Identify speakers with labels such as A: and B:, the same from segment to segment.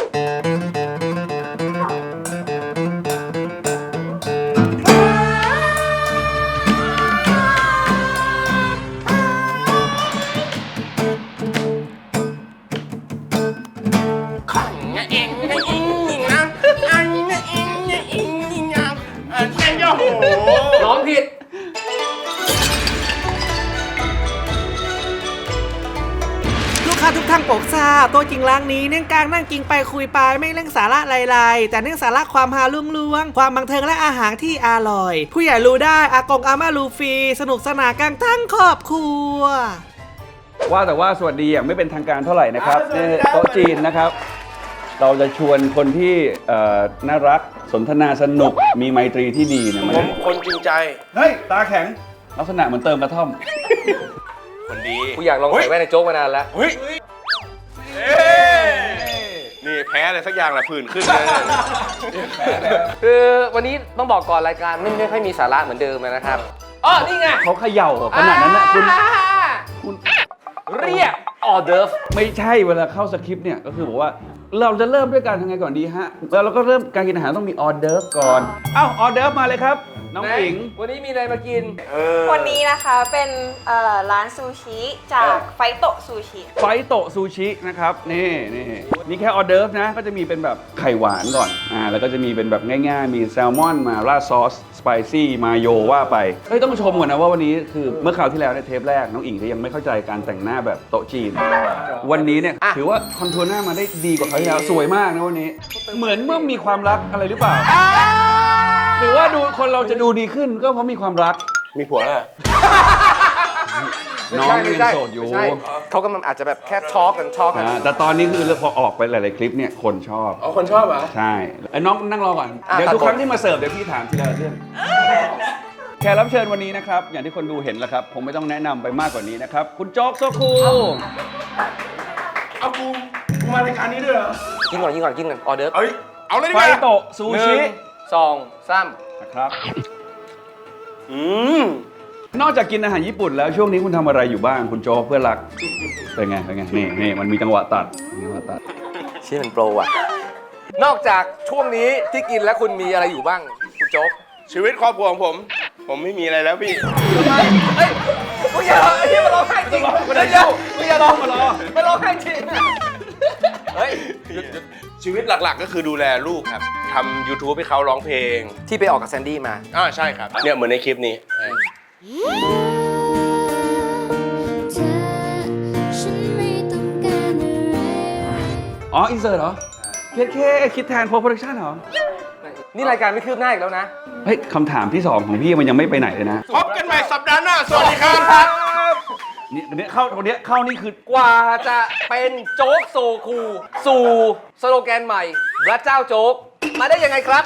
A: ร้องผิด
B: ลูกค้าทุกท่านโปรดทราบโต๊ะจริงร้านนี้เนื่องกลางนั่งกินไปคุยไปไม่เร่งสาระไรๆแต่เนื่องสาระความฮาลุ่งล้วงความบันเทิงและอาหารที่อร่อย ผู้ใหญ่รู้ได้อากงอาม่ารู้ฟรีสนุกสนานกันทั้งครอบครัว
C: ว่าแต่ว่าสวัสดีอย่างไม่เป็นทางการเท่าไหร่นะครับนี่โต๊ะจีนนะครับ เราจะชวนคนที่น่ารักสนทนาสนุกมีไมตรีที่ดีเนี่ยมา
D: ผมคนจริงใจ
C: เฮ้ยตาแข็งลักษณะเหมือนเติมกระท่อม
D: คนดี
A: กูอยากลองใส่แว่นในโจ๊กมานานแล้ว
D: เฮ้ยนี่แพ้อะไรสักอย่างแหละผื่นขึ้นเลย
A: คือวันนี้ต้องบอกก่อนรายการไม่ค่อยมีสาระเหมือนเดิมนะครับอ๋อนี่ไง
C: เขาเขย่าขนาดนั้นนะคุณ
A: เรียกออเดิร์ฟ
C: ไม่ใช่เวลาเข้าสคริปต์เนี่ยก็คือบอกว่าเราจะเริ่มด้วยการทำไงก่อนดีฮะแล้วเราก็เริ่มการกินอาหารต้องมีออเดิร์ฟก่อนเอ้าออเดิร์ฟมาเลยครับน้องหญิง
A: วันนี้มีอะไรมากิน
E: วันนี้นะคะเป็นร้านซูชิจากไฟโตะซูชิ
C: ไฟโตะซูชินะครับนี่แค่ออเดิร์ฟนะก็จะมีเป็นแบบไข่หวานก่อนแล้วก็จะมีเป็นแบบง่ายๆมีแซลมอนมาราดซอสสไปซี่มาโยว่าไปเฮ้ยต้องชมก่อนนะว่าวันนี้คือเมื่อคราวที่แล้วในเทปแรกน้องอิงยังไม่เข้าใจการแต่งหน้าแบบโต๊ะจีนวันนี้เนี่ยถือว่าคอนทัวร์หน้ามาได้ดีกว่าคราวที่แล้วสวยมากนะวันนี้เหมือนเมื่อมีความรักอะไรหรือเปล่าหรือว่าดูคนเราจะดูดีขึ้นก็เพราะมีความรัก
D: มีผัวแล้ว
C: น้องยังโสดอยู่
A: ไม่ใช่เขากำลังอาจจะแบบแค่ช็อกกัน
C: แต่ตอนนี้คือพอออกไปหลายๆคลิปเนี่ยคนชอบ
D: อ๋อคนชอบเหรอ
C: ใช่ไอ้น้องนั่งรอก่อน เดี๋ยวทุกครั้งที่มาเสิร์ฟเดี๋ยวพี่ถามทีละเรื่องแขกรับเชิญวันนี้นะครับอย่างที่คนดูเห็นแล้วครับผมไม่ต้องแนะนำไปมากกว่านี้นะครับคุณโจ๊กโซคู
D: เอากูมารายการนี้ด้วยเหรอ
A: กินก่อนออเดิร์ฟ
D: เอ้ยเอาเลยดี
C: ไฟ
D: กว่า
C: โตะซูชิ
A: 1 2 3
C: นะครับ
D: อืม
C: นอกจากกินอาหารญี่ปุ่นแล้วช่วงนี้คุณทำอะไรอยู่บ้างคุณโจ๊กเพื่อนรักเป็นไงนี่มันมีจังหวะตัด
A: ชื่อมันโปรอ่ะนอกจากช่วงนี้ที่กินแล้วคุณมีอะไรอยู่บ้างคุณโจ๊ก
D: ชีวิตครอบครัวของผมไม่มีอะไรแล้วพี่
A: เฮ้ยมึงอย่าร้องไอ้ที่มาร้องไห้จริงมึงอย่าร้องมาร้องไห้จริงเฮ้ย
D: ชีวิตหลักๆก็คือดูแลลูกครับทำ YouTube ให้เขาร้องเพลง
A: ที่ไปออกกับแซนดี้มา
D: ใช่ครับเนี่ยเหมือนในคลิปนี้
C: อ๋ออินเสิร์ตเหรอคิดแทนโปรดักชั่นเหรอ
A: นี่รายการไม่คืบหน้าอีกแล้วนะ
C: เฮ้ยคำถามที่2ของพี่มันยังไม่ไปไหนเลยนะ
D: พบกันใหม่สัปดาห์หน้า สวัสดีครับ
C: นี่เข้านี่คือ
A: กว่าจะเป็นโจ๊กโซคูสู่สโลแกนใหม่พระเจ้าโจ๊กมาได้ยังไงครับ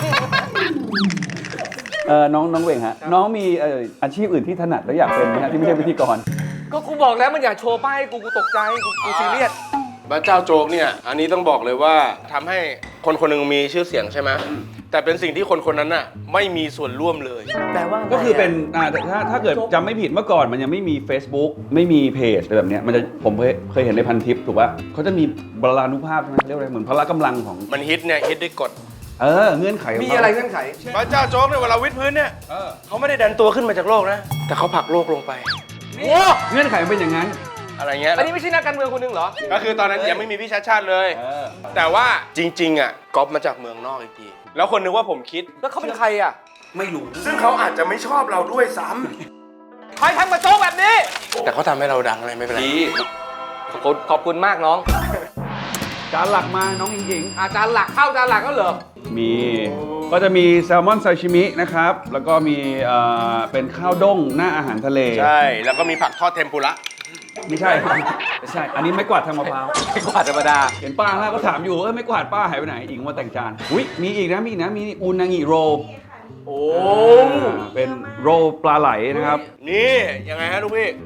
C: น้องเวงฮะน้องมีอาชีพอื่นที่ถนัดแล้วอยากเป็นไหมฮะที่ไม่ใช่พิธีกร
A: ก็กูบอกแล้วมันอยากโชว์ป้ายกูตกใจกูซีเรียส
D: พระเจ้าโจ๊กเนี่ย อันนี้ต้องบอกเลยว่าทำให้คนคนหนึ่งมีชื่อเสียงใช่ไหมแต่เป็นสิ่งที่คนคนนั้นน่ะไม่มีส่วนร่วมเลย
A: แปลว่า
C: ก็คือเป็นแต่ถ้าเกิดจำไม่ผิดเมื่อก่อนมันยังไม่มี Facebook ไม่มีเพจอะไรแบบเนี้ยผมเคยเห็นในพันทิปถูกป่ะเขาจะมีบรานุภาพใช่ไหมเรียกอะไรเหมือนพละกำลังของ
D: มันฮิตเนี่ยฮิตด้วยกฎ
C: เงื่อนไขของ
A: มี
C: เขา
A: อะไรเงื่อนไข
D: พระเจ้าโจ๊กเนี่ยเวลาวิดพื้นเนี่ยเขาไม่ได้ดันตัวขึ้นมาจากโลกนะแต่เขาผลักโลกลงไป
C: เงื่อนไขมันเป็นอย่างนั้น
D: อะไรเงี้ย
A: อันนี้ไม่ใช่นักการเมืองคนหนึงเหรอ
D: ก็คือตอนนั้นยังไม่มีพี่ชาติชาติเลย แต่ว่าจริงๆอ่ะก๊อปมาจากเมืองนอกอีกทีแล้วคนนึกว่าผมคิด
A: แล้วเขาเป็นใครอ่ะ
C: ไม่รู้
D: ซึ่งเขาอาจจะไม่ชอบเราด้วยซ้
A: ใครทำกับโจ๊กแบบนี้
D: ำแต่เขาทำให้เราดังอะไรไม่เป็นไร
A: ขอบคุณมากน้อง
C: จานหลักมาน้องหญิง
A: อาจารย์หลักเข้าจานหลักก็เหรอ
C: มีก็จะมีแซลมอนซาชิมินะครับแล้วก็มีเป็นข้าวด้งหน้าอาหารทะเล
D: ใช่แล้วก็มีผักทอดเทมปุระ
C: ไม่ใช่ อันนี้ไม่กวาดทางมะพร้าว
A: ไม่กว่าธรรมดา
C: เห็นป้าแล้วก็ถามอยู่ไม่กวาดป้าหายไปไหนอิงมาแต่งจานอุ้ยมีอีกนะมีอูนางิโร
A: โอ้
C: เป็นโรปลาไหลนะครับ
D: นี่ยังไงฮะลูกพี่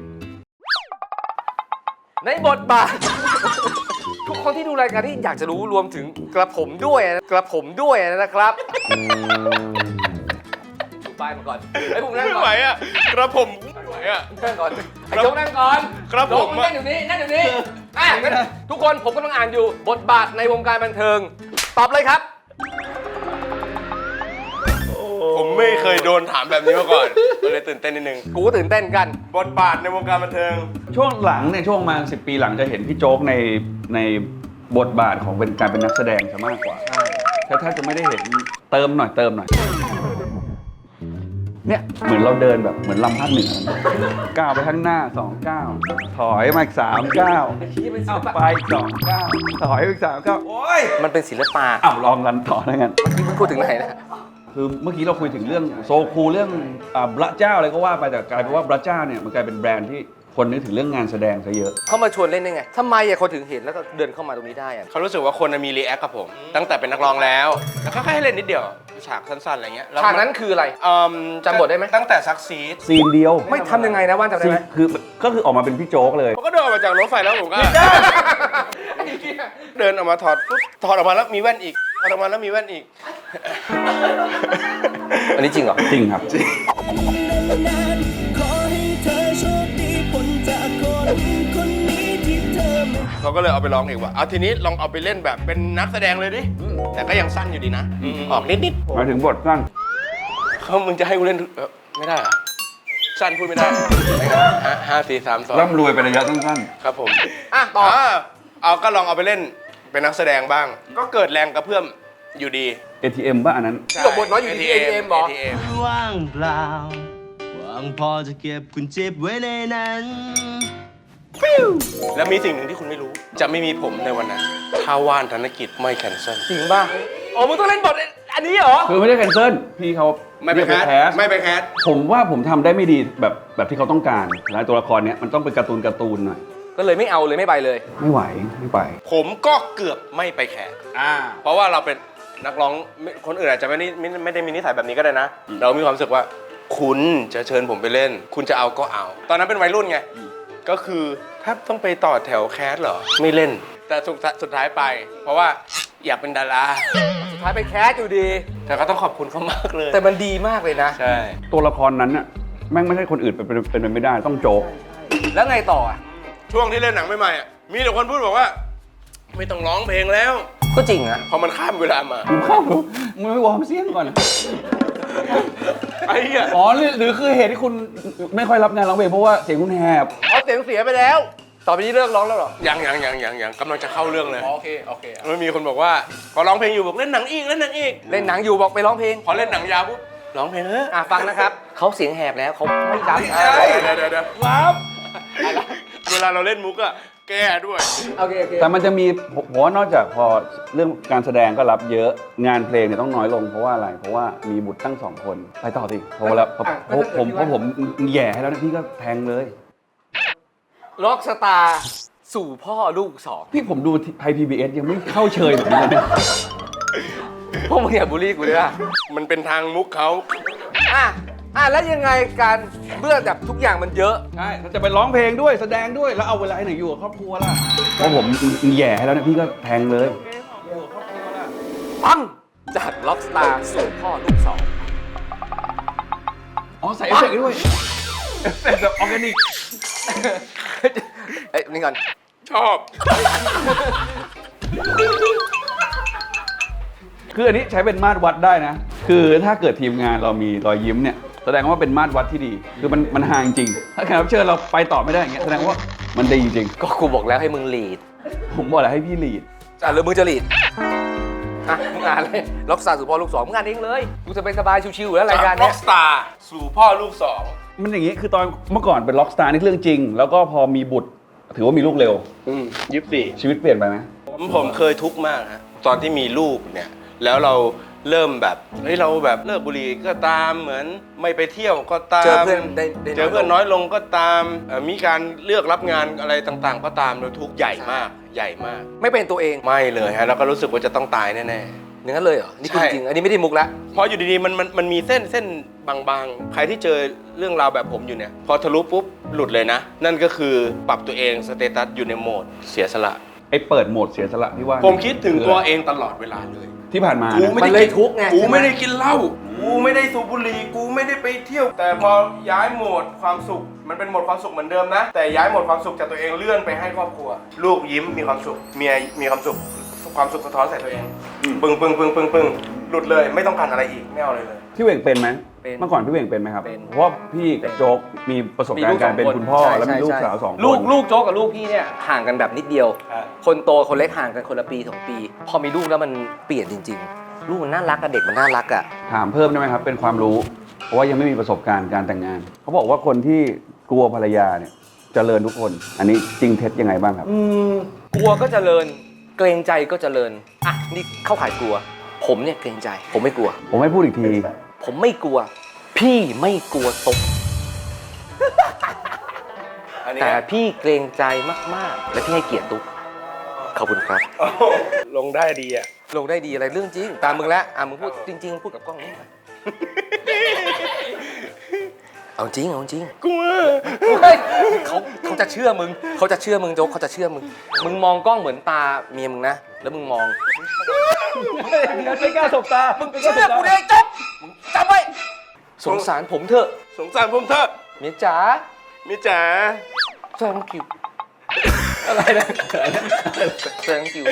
A: ในบทบาท ทุกคนที่ดูรายการที่อยากจะรู้รวมถึงกระผมด้วยนะครับดูป้ายมาก่อนไอ้ผมนั่ง
D: ไม่
A: ก่
D: ไหว
A: อน
D: อ่ะกระผมไม่ไหวอ่ะ
A: นั่งก่อนไอ้โจ๊กนั่งก่อน
D: ครับผม
A: โจ๊กนั่งอยู่นี่งั้นทุกคนผมกำลังอ่านอยู่บทบาทในวงการบันเทิง ตอบเลยครับ
D: ผมไม่เคยโดนถามแบบนี้มาก่อนก็เลยตื่นเต้นนิดนึง
A: กูก็ตื่นเต้นกัน
D: บทบาทในวงการบันเทิง
C: ช่วงหลังเนี่ยช่วงมา10 ปีหลังจะเห็นพี่โจ๊กในบทบาทของเป็นการเป็นนักแสดงซะมากกว่าถ้าจะไม่ได้เห็นเติมหน่อยเนี่ยเหมือนเราเดินแบบเหมือนลำพัดหนึ่งก้าวไปข้างหน้า2 ก้าวถอยมาอีก3 ก้าวเอาไปอีก2 ก้าวถอยอีก3 ก้าวโอ้ย
A: มันเป็นศิลปะ
C: อ้าวลองกันต่อแล้วกัน
A: ที่มึงพูดถึงไหนนะ
C: คือเมื่อกี้เราคุยถึงเรื่องโซคูเรื่องพระเจ้าอะไรก็ว่าไปแต่กลายเป็นว่าพระเจ้าเนี่ยมันกลายเป็นแบรนด์ที่คนนึกถึงเรื่องงานแสดงซะเยอะ
A: เขามาชวนเล่นได้ไงทำไมอะคนถึงเห็นแล้วก็เดินเข้ามาตรงนี้ได้อะ
D: เขารู้สึกว่าคนมีรีแอคกับผม ตั้งแต่เป็นนักร้องแล้ว แล้วก็แค่ให้เล่นนิดเดียว ฉากสั้นๆอะไรเงี้ยแล้ว
A: ฉากนั้นคืออะไร จำบทได้ไหม
D: ตั้งแต่ซักซีด
C: ซีนเดียว
A: ไม่ทำยังไงนะว่านจำได้ไหม
C: ก็คือออกมาเป็นพี่โจ๊กเลย
D: ผมก็เดินออกมาจากรถไฟแล้วผมก็เดินออกมาถอดปุ๊บถอดออกมาแล้วมีแว่นอีกถอดออกมาแล้วมีแว่นอีก
A: อันนี้จริงเหรอ
C: จริงครับ
D: เขาก็เลยเอาไปร้องเองว่าเอาทีนี้ลองเอาไปเล่นแบบเป็นนักแสดงเลยดิ แต่ก็ยังสั้นอยู่ดีนะ ออกนิด
C: หมายถึงบทสั้น
D: ๆเขามึงจะให้กูเล่นไม่ได้เหรอสั้นพูดไม่ได้5 4 3 2
C: ร่ำรวยเป็นระยะสั้น
D: ครับผม
A: อ่ะต่อ
D: เอาก็ลองเอาไปเล่นเป็นนักแสดงบ้าง ก็เกิดแรงกระเพื่อมอยู่ดี
C: ATM ป่ะอันนั้น
A: จบบทน้อยอยู่ที่ ATM เหรอ
D: ATM
F: ว่างเปล่าว่างพอจะเก็บคุณเจ็บไว้ในนั้น
D: แล้วมีสิ่งหนึ่งที่คุณไม่รู้ จะไม่มีผมในวันนั้น ถ้าว่านธนกิจไม่แคนเซิล
A: จริงป่ะอ๋อมึงต้องเล่นบทอันนี้เหรอ
C: คือไม่ได้แคนเซิลพี่เขา
D: ไม่ไปแคส
C: ส
D: ไม่ไปแคส
C: ผมว่าผมทำได้ไม่ดีแบบที่เขาต้องการแล้วตัวละครเนี้ยมันต้องเป็นการ์ตูนหน่อย
A: ก็เลยไม่เอาเลยไม่ไปเลย
C: ไม่ไหวไม่ไป
D: ผมก็เกือบไม่ไปแคสเพราะว่าเราเป็นนักร้องคนอื่นอาจจะไม่ได้มีนิสัยแบบนี้ก็ได้นะ เรามีความรู้สึกว่า คุณจะเชิญผมไปเล่น คุณจะเอาก็เอา ตอนนั้นเป็นวัยรุ่นไง ก็คือถ้าต้องไปต่อแถวแคสเหรอ ไม่เล่น แต่สุดท้ายไป เพราะว่าอยากเป็นดารา
A: สุดท้ายไปแคสอยู่ดี
D: แต่ก็ต้องขอบคุณเขามากเลย
A: แต่มันดีมากเลยนะ
D: ใช่
C: ตัวละครนั้นน่ะแม่งไม่ใช่คนอื่นเป็นไปไม่ได้ต้องโจ๊ก
A: แล้วไงต่ออ่ะ
D: ช่วงที่เล่นหนังใหม่ๆอ่ะมีแต่คนพูดบอกว่า ไม่ต้องร้องเพลงแล้ว
A: ก็จริงอะ
D: พอมันข้ามเวลามา
C: มึงไม่วอร์มเสียงก่อน
D: ไอ้เหี้ย
C: อ๋อหรือคือเหตุที่คุณไม่ค่อยรับงานร้องเพลงเพราะว่าเสียงคุณแหบ
A: เอาเสียงเสียไปแล้ว ต่อไปนี้เลิกร้องแล้วเหรอ
D: ยังกำลังจะเข้าเรื่องเลย
A: โอเค
D: มันมีคนบอกว่าพอร้องเพลงอยู่บอกเล่นหนังอีก
A: เล่นหนังอยู่บอกไปร้องเพลง
D: พอเล่นหนังยาวปุ๊บร้องเพลงเฮ้ย
A: ฟังนะครับ เขาเสียงแหบแล้วเขาไม่รับ
D: ใช่เดี๋ยวครับเวลาเราเล่นมุกอะแก้ด้วย
A: โอเค
C: แต่มันจะมีผมว่านอกจากพอเรื่องการแสดงก็รับเยอะงานเพลงเนี่ยต้องน้อยลงเพราะว่าอะไรเพราะว่ามีบุตรตั้ง2 คนไปต่อสิเพราะผมแย่ให้แล้วนะพี่ก็แทงเลย
A: ล็อกสตาร์สู่พ่อลูกสอง
C: พี่ผมดูไทย PBS ยังไม่เข้าเชยแบบนี้เลยเนี่ย
A: พวกมึงอย่าบูลลี่กูเลยอ่ะ
D: มันเป็นทางมุกเขา
A: แล้วยังไงการเบื้องแบบทุกอย่างมันเยอะ
C: ใช่ถ้าจะไปร้องเพลงด้วยแสดงด้วยแล้วเอาเวลาไหนอยู่กับครอบครัวล่ะเพราะผมแย่ให้แล้วนะพี่ก็แทงเลย
A: ปังจากล็อกสตาร์สู่พ่อลูกสอง
C: อ๋อใส่เอฟเฟกต์ด้วยเอฟเฟกต์แบบออร์แกนิก
A: เอ้ยนี่ก่อน
D: ชอบ
C: คืออันนี้ใช้เป็นมาตรวัดได้นะ คือถ้าเกิดทีมงานเรามีรอยยิ้มเนี่ยแสดงว่าเป็นมาตรวัดที่ดี คือมันห่างจริง ถ้าแขกรับเชิญเราไปต่อไม่ได้อย่างเงี้ยแสดงว่ามันดีจริง
A: ก็กูบอกแล้วให้มึงลีด
C: ผมบอกแล้วให้พี่ลีด
A: หรือมึงจะลีดมึงอ่านเลยล็อกสตาร์สู่พ่อลูกสองมึงอ่านเองเลยกูจะไปสบายชิวๆอยู่แล้วรายการ
D: ร็
A: เนี้
D: อย กสตาร์สู่พ่อลูกสอง
C: มันอย่างงี้คือตอนเมื่อก่อนเป็นล็อกสตาร์นี่เรื่องจริง แล้วก็พอมีบุตรถือว่ามีลูกเร็ว
D: 24
C: ชีวิตเปลี่ยนไปไหม
D: ผมเคยทุกข์มากฮะตอนที่มีลูกเนี่ยแล้วเราเริ่มแบบเฮ้ยเราแบบเลิกบุหรี่ก็ตามเหมือนไม่ไปเที่ยวก็ตาม
A: เจอเพื่อนได้
D: เจอเพื่อนน้อยลงก็ตามมีการเลือกรับงานอะไรต่างๆ ก็ตามเราทุกข์ใหญ่มาก
A: ไม่เป็นตัวเอง
D: ไม่เลยฮะแล้วก็รู้สึกว่าจะต้องตายแน่
A: อย่างนั้นเลยเหรอ นี่คือ
D: ใช่
A: จริง อันนี้ไม่ได้มุกละ
D: ๆพออยู่ดีๆมันมีเส้นบางๆใครที่เจอเรื่องราวแบบผมอยู่เนี่ยพอทะลุปุ๊บหลุดเลยนะ นั่นก็คือปรับตัวเองสเตตัสอยู่ในโหมดเสียสละ
C: ไอ้เปิดโหมดเสียสละที่ว่า
D: ผมคิดถึงตัวเองตลอดเวลาเลย
C: ที่ผ่านมา
D: กู
C: นะ
D: ไม่
A: มัน
D: ได้
A: เลย
D: กิน
A: ทุกข์ไง
D: กู
A: ใช่ไหม
D: ไม่ได้กินเหล้ากูไม่ได้สูบบุหรี่กูไม่ได้ไปเที่ยว แต่พอย้ายโหมดความสุขมันเป็นโหมดความสุขเหมือนเดิมนะแต่ย้ายโหมดความสุขจากตัวเองเลื่อนไปให้ครอบครัว ลูกยิ้มมีความสุขเมียมีความสุขความสุขสะท้อนใส่ตัวเองปึ้งหลุดเลยไม่ต้องการอะไรอีกไม่เอาอะไรเลย
C: พี่เหว่งเป็นไหม
A: เป็น
C: เมื่อก่อนพี่เหว่งเป็นไหมครับ
A: เป็น
C: เพราะว่าพี่กับโจ๊กมีประสบการณ์การเป็นคุณพ่อ
A: ใช่
C: แล้วมีลูก
A: ใช่
C: สาว2 คน
A: ลูกโจ๊กกับลูกพี่เนี่ยห่างกันแบบนิดเดียว
C: ครับ
A: คนโตคนเล็กห่างกันคนละปี2 ปี พอมีลูกแล้วมันเปลี่ยนจริง ๆ ลูกมันน่ารักอะเด็กมันน่ารักอะ
C: ถามเพิ่มได้ไหมครับเป็นความรู้ เพราะว่ายังไม่มีประสบการณ์การแต่งงาน เขาบอกว่าคนที่กลัวภรรยาเนี่ยเจริญทุกคน อันนี้จริงเท็จยังไงบ้างครับ
A: กลัวก็เจริญ เกรงใจก็เจริญอ่ะนี่เข้าข่ายกลัว ผมเนี่ยเกรงใจ ผมไม่กลัว
C: ผมให้พูดอีกที
A: ผมไม่กลัว พี่ไม่กลัวตก
D: อันนี้
A: แต่พี่เกรงใจมากๆ และพี่ให้เกียรติตุ๊กขอบคุณครับ
D: ลงได้ดีอ่ะ
A: ลงได้ดีอะไรเรื่องจริง ตามมึงแล้วมึงพูดจริง ๆ พูดกับกล้องนี่ไปเอาจริง
D: กลัว
A: เขาจะเชื่อมึงโจ๊กเขาจะเชื่อมึงมึงมองกล้องเหมือนตาเมียมึงนะแล้วมึงมอง
C: ไม่กล้าสบตา
A: มึงเชื่อกูเลยโจ๊กมึงจำไว้สงสารผมเถอะ
D: สงสารผมเถอะ
A: เมียจ๋า
D: มิจ๋า
A: thank you อะไรนะ thank you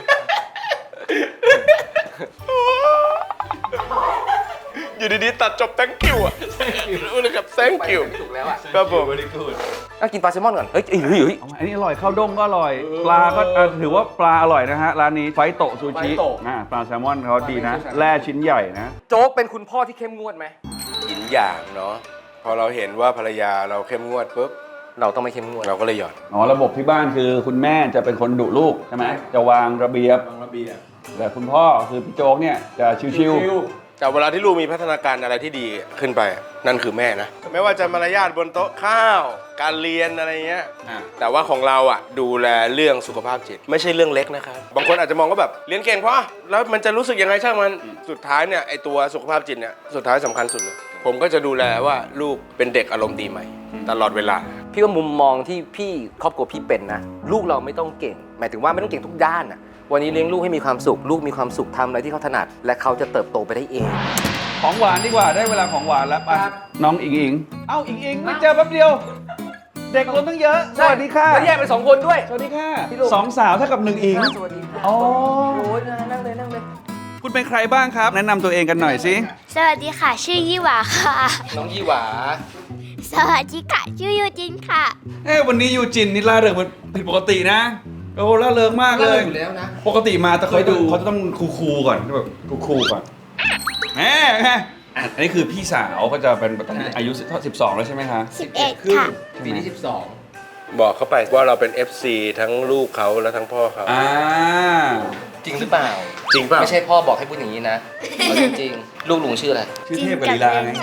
D: อยู่ดีๆตัดจบ thank you อ่ะรู้เลยครับ thank you
A: ถูกแล้วอ่ะ
D: ครับผม
A: กินปลาแซลมอนก่อนเฮ้ย
C: อันนี้อร่อยข้าวด้งก็อร่อย ปลาก็ถือว่าปลาอร่อยนะฮะร้านนี้ไฟโตะซูชิปลาแซลมอนเขาดีนะแร่ชิ้นใหญ่นะ
A: โจ๊กเป็นคุณพ่อที่เข้มงวดไหม
D: ยินอย่างเนาะพอเราเห็นว่าภรรยาเราเข้มงวดปุ๊บ
A: เราต้องไม่เข้มงวด
D: เราก็เลยหย่อน
C: อ๋อระบบที่บ้านคือคุณแม่จะเป็นคนดุลูกใช่ไหมจะวางระเบียบแต่คุณพ่อคือพี่โจ๊กเนี่ยจะชิว
D: แต่เวลาที่ลูกมีพัฒนาการอะไรที่ดีขึ้นไป นั่นคือแม่นะ ไม่ว่าจะมารยาทบนโต๊ะข้าว การเรียนอะไรเงี้ย แต่ว่าของเราอ่ะดูแลเรื่องสุขภาพจิต ไม่ใช่เรื่องเล็กนะครับ บางคนอาจจะมองว่าแบบเรียนเก่งเพราะแล้วมันจะรู้สึกยังไงช่างมัน สุดท้ายเนี่ยไอตัวสุขภาพจิตเนี่ยสุดท้ายสำคัญสุดเลย ผมก็จะดูแลว่าลูกเป็นเด็กอารมณ์ดีไหมตลอดเวลา
A: พี่ว่ามุมมองที่พี่ครอบครัวพี่เป็นนะลูกเราไม่ต้องเก่ง หมายถึงว่าไม่ต้องเก่งทุกด้านนะวันนี้เลี้ยงลูกให้มีความสุข ลูกมีความสุขทำอะไรที่เขาถนัด และเขาจะเติบโตไปได้เอง
C: ๆของหวานดีกว่าได้เวลาของหวานแล้วไปน้องอิงอิงเอ้าอิงอิงไม่เจอแป๊บเดียว เด็กคนตั้งเยอะสวัสดีค่ะ
A: แล้วแยกเป็น2 คนด้วย
C: สวัสดีค่ะ
A: พี่ลูก
C: สองสาวเท่ากับ1อิง
A: สวัสดีค่ะ
C: อ๋อ
A: โอ้ยนั่งเลย
C: คุณเป็นใครบ้างครับ แนะนำตัวเองกันหน่อยสิ
G: สวัสดีค่ะ ชื่อยี่หวาค่ะ
A: น้องยี่หวา
G: สวัสดีค่ะ ชื่อยูจินค่ะ
C: วันนี้ยูจินนี่ล่าเริงมันผิดปกตินะโอ้ล่าเริงมากเลย
A: อยู่แล้วนะ
C: ปกติมาแต่เขาจะต้องคูลๆก่อนแบบคูลๆก่อนแหมอันนี้คือพี่สาวก็จะเป็นแบบอายุ12แล้วใช่ไหมคะ
G: 11 ค่ะ
A: ปีที่12
D: บอกเขาไปว่าเราเป็น FC ทั้งลูกเขาและทั้งพ่อเขา
A: จริงหรือเปล่า
D: จริงเปล่า
A: ไม่ใช่พ่อบอกให้พูดอย่างนี้นะเอาจริงๆลูกลุงชื่ออะไร
C: ชื่อเทพกับลีลาไง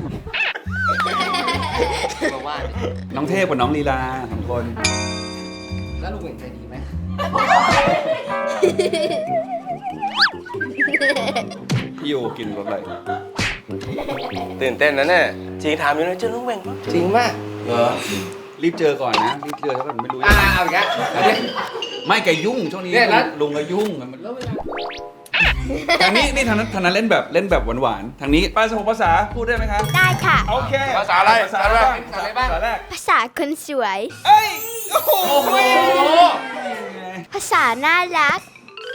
A: มาว่าดิ
C: น้องเทพกับน้องลีลาสองคน
A: แล้วลุงเห็นใจดีไหม
C: พี่ยูกินรสอะไร
D: ตื่นเต้นนะเนี่ยจริงถามอยู่เลยเจอลุงเวงปะ
A: จริงมาก
C: เหรอรีบเจอก่อนนะรีบเจอถ้าเกิดไม่รู้
A: เอาอีกแล้วเอาดิ
C: ไม่แกยุ่งช่วงนี้
A: เนี่ยแล้ว
C: ลุงก็ยุ่งมัน
A: แล้วเวลา
C: ทางนี้ทางนั้นเล่นแบบหวานๆทางนี้ภาษาพูดได้ไหมคะ
G: ได้ค่ะ
C: โอเค
D: ภาษาอะไร
C: ภาษาอะไรบ้าง
A: ภาษาอะไรบ้าง
C: ภาษาแรก
G: ภาษาคนสวย
C: เอ้ยโอ้โห
G: ภาษาน่ารัก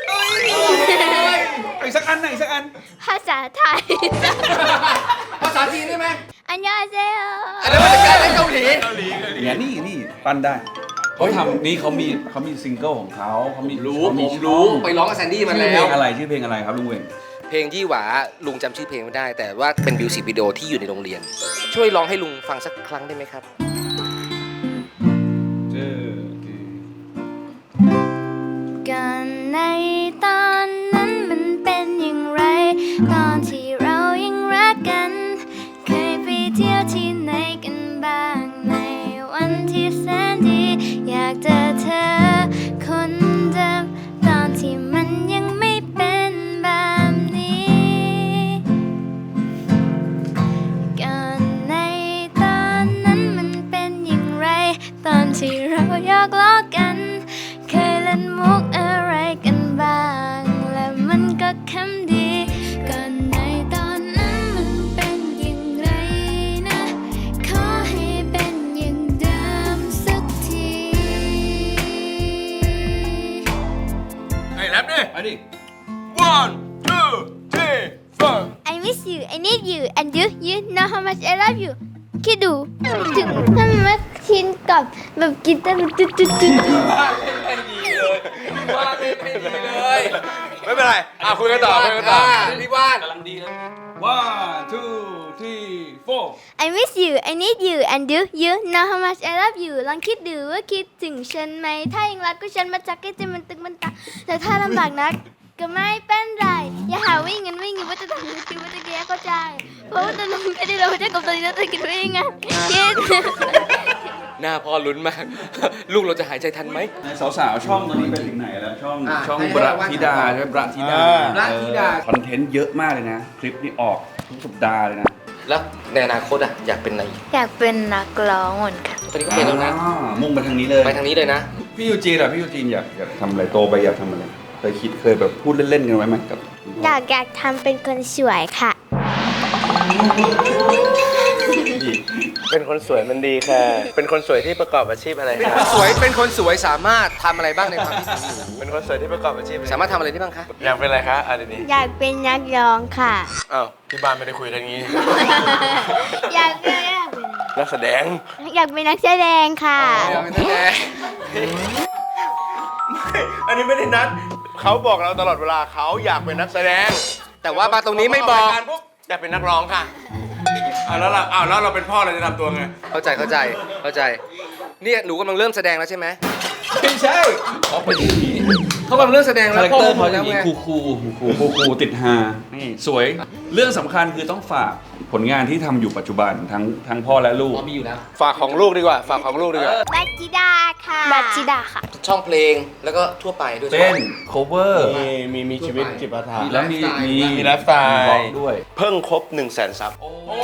C: อีกสักอันหนึ่งอีกสักอัน
G: ภาษาไทย
A: ภาษาจีนได้ไหม
G: อันยองเซโอ
A: อะไรมาจากการเล่นเกาหลี
C: เนี่ยนี่ปั้นได้เขาทำนี่เขามีซิงเกิลของเขาเขามี
A: รู้
C: เขามี
A: ผมรู้
C: ช่อง
A: ไปร้องกับแซนดี้มา
C: ชื่อ
A: แล้
C: เพล
A: ว
C: งอะไรชื่อเพลงอะไรครับลุงเวง
A: เพลงยี่หวาลุงจำชื่อเพลงไม่ได้ แต่ว่าเป็นมิวสิกวิดีโอที่อยู่ในโรงเรียน ช่วยร้องให้ลุงฟังสักครั้งได้ไหมครับ
G: กันในตอนนั้นมันเป็นอย่างไร ตอนที่เรายังรักกัน เคยไปเที่ยวที่ไหนกันบ้างในวันที่แสนดี อยากเจอเธอคนเดิมตอนที่มันยังไม่เป็นแบบนี้ ก่อนในตอนนั้นมันเป็นอย่างไร ตอนที่เราหยอกล้อกัน เคยเล่นมุกอะไรกันบ้า
D: 1 2 3 4
G: I miss you I need you and you know how much I love you คิดดูถึงถ้ามันมาชินกับแบบกีตาร์แบบตุ๊ด
D: ไม่เป็นไรคุยกันต่อคุยกันต่อ
A: พี่ว่าน
C: กำลังดีเลย 1 2 3 4
G: I miss you I need you and you know how much I love you ลองคิดดูว่าคิดถึงฉันไหมถ้ายังรักก็ฉันมาจักให้ใจมันตึงมันตาแต่ถ้าลำบากนักก็ไม่เป็นไรอย่าหาวิ่งกันว่าจะทำคิดว่าจะแก้เข้าใจเพราะว่าตอนนี้ไม่ได้เราจะกับตอนนี้เราจะคิดว่ายังไงคิด
A: หน้าพ่อลุ้นมาก ลูกเราจะหายใจทันไหม
C: สาวๆช่องตอนนี้ไปถึงไหนแล้วช่อง
A: ให้
C: บระ
A: ว่า
C: ธิดาใช่ไหมบระธิดา
A: บระธิดา
C: คอนเทนต์เยอะมากเลยนะ คลิปนี้ออกทุกสัปดาห์เลยนะ
A: แล้วในอนาคตอะอยากเป็นอะไรอีก
G: อยากเป็นนักร้องเหมือนกัน
A: ตอนนี้ก็เป็นแล้วนะ
C: มุ่งไปทางนี้เลย
A: ไปทางนี้เลยนะ
C: พี่ยูจีนอะพี่ยูจีนอยากทำอะไรโตไปอยากทำอะไรเคยแบบพูดเล่นๆกันไว้ไหมกับ
G: อยากทำเป็นคนสวยค่ะ
D: เป็นคนสวยมันดีค่ะ เป็นคนสวยที่ประกอบอาชีพอะไรคะ
A: เป็นคนสวยสามารถทำอะไรบ้างในความคิดของหนู
D: เป็นคนสวยที่ประกอบอาชีพอะไร
A: สามารถทำอะไรได้บ้างคะ
D: อยากเป็นอะไรคะดี
G: อยากเป็นนักร้องค่ะ
D: อ้าวที่บ้านไม่ได้คุยกันงี้
G: อยากเป็น
D: นักแสดง
G: อยากเป็นนักแสดงค่ะ
D: อันนี้ไม่ได้นัดเขาบอกเราตลอดเวลาเขาอยากเป็นนักแสดง
A: แต่ว่ามาตรงนี้ไม่บอก
D: รายารปุ๊บอยากเป็นนักร้องค่ะแล้วเราเป็นพ่อเราจะทำตัวไง
A: เข้าใจเนี่ยหนูกำลังเริ่มแสดงแล้วใช่ไหม
C: ไม่ใช่
A: เขากำลังเริ่มแสดง
C: คา
A: แล้ว
C: แรคเตอร์เขาจะ
A: แล้ว
C: มี
A: ไง
C: คูติดฮานี่สวยเรื่องสำคัญคือต้องฝากผลงานที่ทำอยู่ปัจจุบันทั้งพ่อและลูก
A: มีอยู่แล้ว
D: ฝากของลูกดีกว่า ฝากของลูกดีกว่า
G: บัตจิดาค่ะ บัตจิดาค่ะ
A: ช่องเพลงแล้วก็ทั่วไปด้วย
C: เต้น cover
D: มีชีวิตจิปาถะ
C: แล้วมี
D: มีไลฟ์สไตล์
C: บล็อกด้วย
D: เพิ่งครบ 100,000 ซับ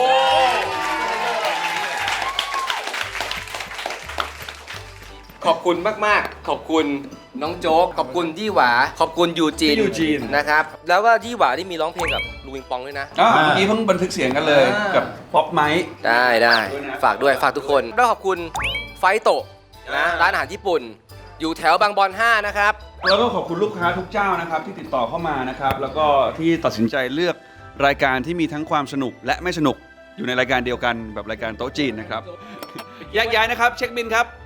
A: ขอบคุณมากๆ ขอบคุณน้องโจ๊ก ขอบคุณยี่หวา ขอบคุณยูจีน
C: พี่ยูจีน
A: นะครับ แล้วก็ยี่หวาที่มีร้องเพลงกับลูวิงปองด้วยนะ
C: เมื่อกี้เพิ่งบันทึกเสียงกันเลยกับป๊อปไมค์
A: ได้
C: ด้วยนะ
A: ฝากด้วยฝากทุกคนแล้วขอบคุณไฟโตะนะร้านอาหารญี่ปุ่น อยู่แถวบางบอน 5 นะครับ
C: แล้วก็ขอบคุณลูกค้าทุกเจ้านะครับที่ติดต่อเข้ามานะครับแล้วก็ที่ตัดสินใจเลือกรายการที่มีทั้งความสนุกและไม่สนุกอยู่ในรายการเดียวกันแบบรายการโต๊ะจีนนะครับแยกย้ายนะครับเช็คบินครับ